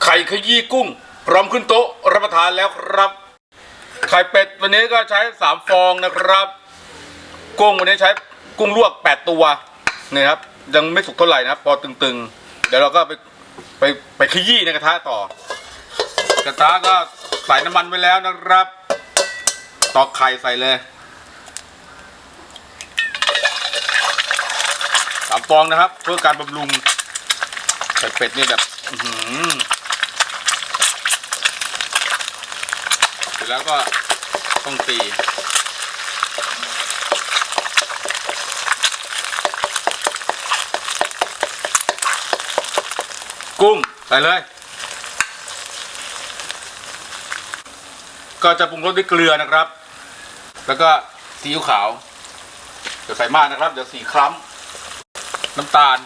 ไข่ขยี้กุ้งพร้อมขึ้นโต๊ะรับประทานแล้วครับไข่เป็ดวันนี้ก็ใช้3 ฟองนะครับกุ้งวันนี้ใช้กุ้งลวก8 ตัวนี่ครับยังไม่สุกเท่าไหร่นะครับพอตึงๆเดี๋ยวเราก็ไปขยี้ในกระทะต่อกระทะก็ใส่น้ำมันไว้แล้วนะครับตอกไข่ใส่เลย3 ฟองนะครับเพื่อการบำรุงไข่เป็ดนี่แบบเสร็จแล้วก็ต้องตีกุ้งใส่เลยก็จะปรุงรสด้วยเกลือนะครับแล้วก็ซีอิ๊วขาวเดี๋ยวใส่มากนะครับเดี๋ยวสีคล้ำน้ำตาล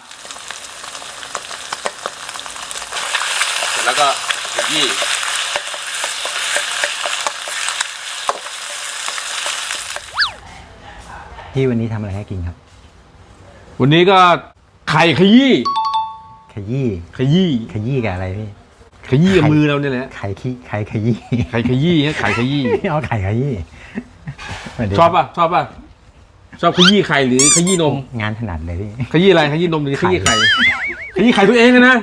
เสร็จแล้วก็ขยี้พี่วันนี้ทำอะไรให้กินครับวันนี้ก็ไข่ขยี้ขยี้ขยี้ขยี้กับอะไรพี่ขยี้กับมือเราเนี่ยแหละไข่ขยี้ไข่ขยี้ไข่ขยี้ไข่ขยี้เอาไข่ขยี้ชอบป่ะชอบขยี้ไข่หรือขยี้นมงานถนัดเลยพี่ขยี้อะไรขยี้นมหรือขยี้ไข่ขยี้ไข่ตัวเองนะ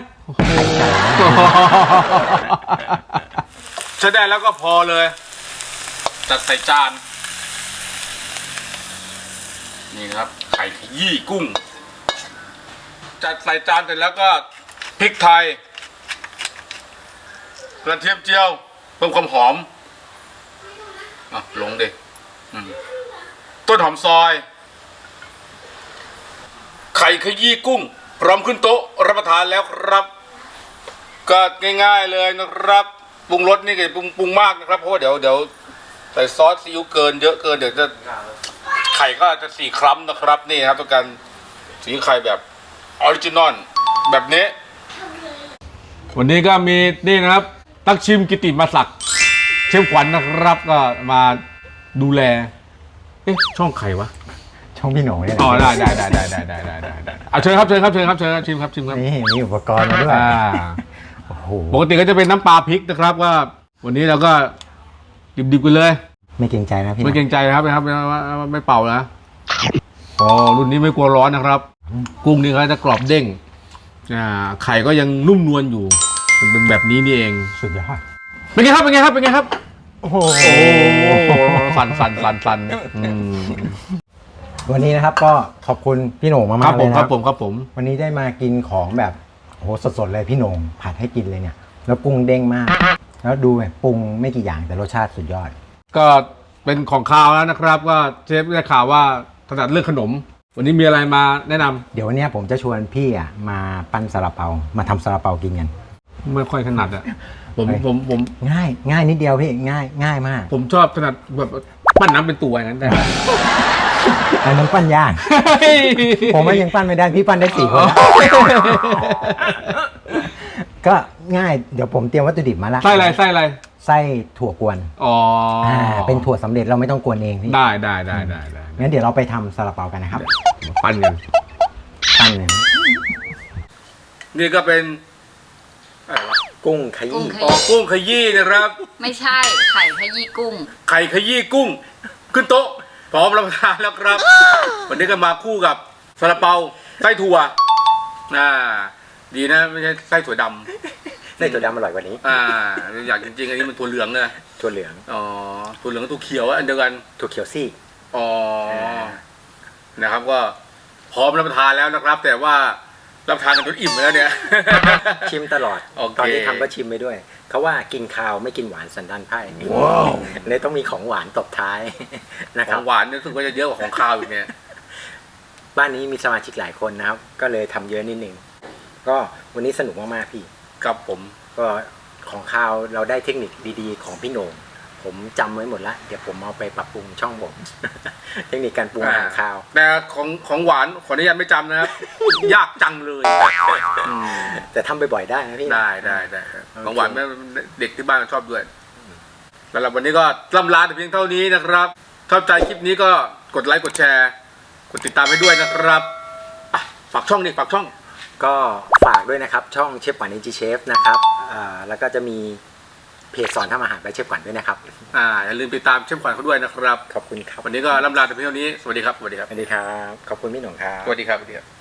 ใช้ได้แล้วก็พอเลยจัดใส่จานนี่ครับไข่ขยี้กุ้งจัดใส่จานเสร็จแล้วก็พริกไทยกระเทียมเจียวเพิ่มความหอมลงดิต้นหอมซอยไข่ขยี้กุ้งพร้อมขึ้นโต๊ะรับประทานแล้วครับก็ง่ายๆเลยนะครับปรุงรสนี่ก็ปรุงมากนะครับเพราะว่าเดี๋ยวใส่ซอสซีอิ๊วเกินเยอะเกินเดี๋ยวจะไข่ก็จะสีคล้ำนะครับนี่ครับต้องการสีไข่แบบออริจินอลแบบนี้วันนี้ก็มีนี่นะครับตักชิมกิติมาศักดิ์เชฟขวัญนะครับก็มาดูแลช่องไข่วะช่องพี่โหน่งเนี่ยได้เอาเชิญครับชิมครับนี่มีอุปกรณ์มาด้วยโอ้โหปกติก็จะเป็นน้ำปลาพริกนะครับว่าวันนี้เราก็ดิบๆกันเลยไม่เกรงใจนะพี่ไม่เกรงใจนะครับไม่เป่านะรุ่นนี้ไม่กลัวร้อนนะครับกุ้งนี่เขาจะกรอบเด้งไข่ก็ยังนุ่มนวลอยู่เป็นแบบนี้นี่เองสุดยอดเป็นไงครับโอ้โหสั่นวันนี้นะครับก็ขอบคุณพี่โหน่งมากๆเลยนะครับผมวันนี้ได้มากินของแบบโหสดๆเลยพี่โหน่งผัดให้กินเลยเนี่ยแล้วกุ้งเด้งมากแล้วดูแบบปรุงไม่กี่อย่างแต่รสชาติสุดยอดก็เป็นของคาวแล้วนะครับก็เชฟได้ข่าวว่าถนัดเรื่องขนมวันนี้มีอะไรมาแนะนำเดี๋ยววันนี้ผมจะชวนพี่มาปั้นซาลาเปามาทำซาลาเปากินกันไม่ค่อยถนัดผมง่ายนิดเดียวพี่ง่ายมากผมชอบถนัดแบบปั้นน้ำเป็นตัวอย่างนั้นได้อันนั้นปั้นยากผมยังปั้นไม่ได้พี่ปั้นได้4 คนก็ง่ายเดี๋ยวผมเตรียมวัตถุดิบมาแล้วไส้อะไรไส้ถั่วกวนเป็นถั่วสำเร็จเราไม่ต้องกวนเองพี่ได้งั้นเดี๋ยวเราไปทำซาลาเปากันนะครับปั้นกันนี่ก็เป็นอะไรวะกุ้งขยี้กุ้งขยี้นะครับไม่ใช่ไข่ขยี้กุ้งไข่ขยี้กุ้งขึ้นโต๊ะพร้อมรับประทานแล้วครับวันนี้ก็มาคู่กับซาลาเปาไส้ถั่วดีนะไม่ใช่ไส้ถั่วดำไส้ถั่วดำอร่อยกว่านี้อยากจริงๆอันนี้มันถั่วเหลืองเลยถั่วเหลืองถั่วเหลืองกับถั่วเขียวอันเดียวกันถั่วเขียวซีกนะครับก็พร้อมรับประทานแล้วนะครับแต่ว่ารับประทานกันจนอิ่มแล้วเนี่ยชิมตลอดตอนที่ทำก็ชิมไปด้วยเขาว่ากินข้าวไม่กินหวานสันดานไพร่เนี่ยต้องมีของหวานตบท้ายนะครับของหวานรู้สึกว่าจะเยอะกว่าของข้าวอีกเนี่ยบ้านนี้มีสมาชิกหลายคนนะครับก็เลยทำเยอะนิดนึงก็วันนี้สนุกมากๆพี่ครับผมก็ของข้าวเราได้เทคนิคดีๆของพี่โหน่งผมจำไว้หมดละเดี๋ยวผมเอาไปปรับปรุงช่องผมเทคนิคการปรุงอาหารข้าวแต่ของหวานขออนุญาตไม่จำนะครับยากจังเลยแต่ทำบ่อยๆได้นะพี่ได้ของหวานเด็กที่บ้านชอบด้วยสำหรับวันนี้ก็ล่ำลาแต่เพียงเท่านี้นะครับชอบใจคลิปนี้ก็กดไลค์กดแชร์กดติดตามไปด้วยนะครับฝากช่องก็ฝากด้วยนะครับช่องเชฟขวัญ NG Chef นะครับแล้วก็จะมีเพจสอนทำอาหารไปเชฟขวัญด้วยนะครับอย่าลืมติดตามเชฟขวัญเขาด้วยนะครับขอบคุณครับวันนี้ก็ล่ำลาแต่เพียงเท่านี้สวัสดีครับสวัสดีครับสวัสดีครับขอบคุณพี่หนุ่มครับสวัสดีครับสวัสดีครับ